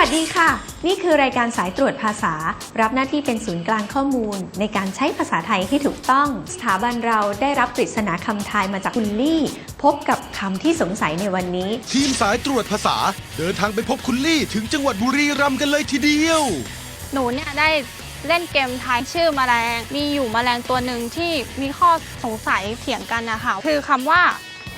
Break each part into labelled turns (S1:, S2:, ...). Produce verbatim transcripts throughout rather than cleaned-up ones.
S1: วัสดีค่ะนี่คือรายการสายตรวจภาษารับหน้าที่เป็นศูนย์กลางข้อมูลในการใช้ภาษาไทยให้ถูกต้องสถาบันเราได้รับปริศนาคำทายมาจากคุณลี่พบกับคำที่สงสัยในวันนี้
S2: ทีมสายตรวจภาษาเดินทางไปพบคุณลี่ถึงจังหวัดบุรีรัมย์กันเลยทีเดียว
S3: หนูเนี่ยได้เล่นเกมทายชื่อแมลงมีอยู่แมลงตัวหนึ่งที่มีข้อสงสัยเถียงกันนะคะคือคำว่า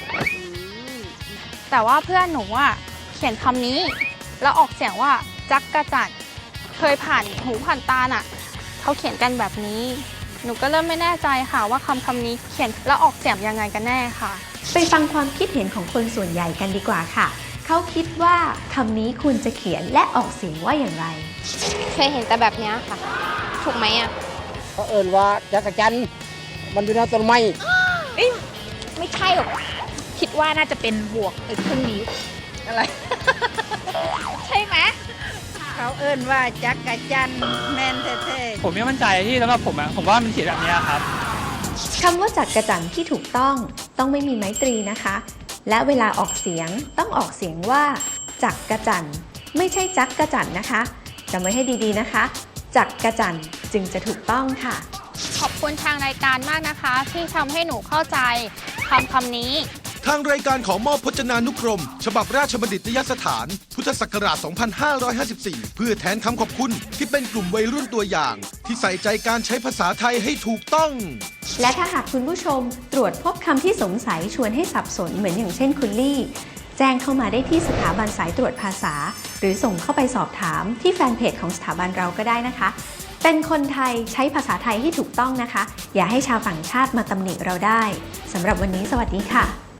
S3: แต่ว่าเพื่อนหนูอ่ะเขียนคำนี้แล้วออกเสียงว่าจักกะจั่นเคยผ่านหูผ่านตาน่ะเขาเขียนกันแบบนี้หนูก็เริ่มไม่แน่ใจค่ะว่าคำคำนี้เขียนแล้วออกเสียงยังไงกันแน่ค่ะ
S1: ไปฟังความคิดเห็นของคนส่วนใหญ่กันดีกว่าค่ะเขาคิดว่าคำนี้ควรจะเขียนและออกเสียงว่าอย่างไร
S3: เคยเห็นแต่แบบนี้ค่ะถูกไหมอ่ะ
S4: เขาเอ่นว่าจักรจันทร์มันอยู่ในต้นไม้
S5: ไม่ใช่หรอกคิดว่าน่าจะเป็นบวกครึ่งนิ้วอะไร ใช่ไหมเขาเอ่นว่าจักรจันทร์แมนเท่
S6: ๆผมไม่มั่นใจที่สำหรับผมอะผมว่ามันเขียนแบบนี้ครับ
S1: คำว่าจักรจันทร์ที่ถูกต้องต้องไม่มีไม้ตรีนะคะและเวลาออกเสียงต้องออกเสียงว่าจักกะจั่นไม่ใช่จักกะจั่นนะคะจำไว้ให้ดีๆนะคะจักกะจั่นจึงจะถูกต้องค่ะ
S3: ขอบคุณทางรายการมากนะคะที่ทำให้หนูเข้าใจคำคำนี้
S2: ทางรายการขอมอบพจนานุกรมฉบับราชบัณฑิตยสถานพุทธศักราช สองพันห้าร้อยห้าสิบสี่ เพื่อแทนคำขอบคุณที่เป็นกลุ่มวัยรุ่นตัวอย่างที่ใส่ใจการใช้ภาษาไทยให้ถูกต้อง
S1: และถ้าหากคุณผู้ชมตรวจพบคำที่สงสัยชวนให้สับสนเหมือนอย่างเช่นคุณลี่แจ้งเข้ามาได้ที่สถาบันสายตรวจภาษาหรือส่งเข้าไปสอบถามที่แฟนเพจของสถาบันเราก็ได้นะคะเป็นคนไทยใช้ภาษาไทยให้ถูกต้องนะคะอย่าให้ชาวต่างชาติมาตำหนิเราได้สำหรับวันนี้สวัสดีค่ะ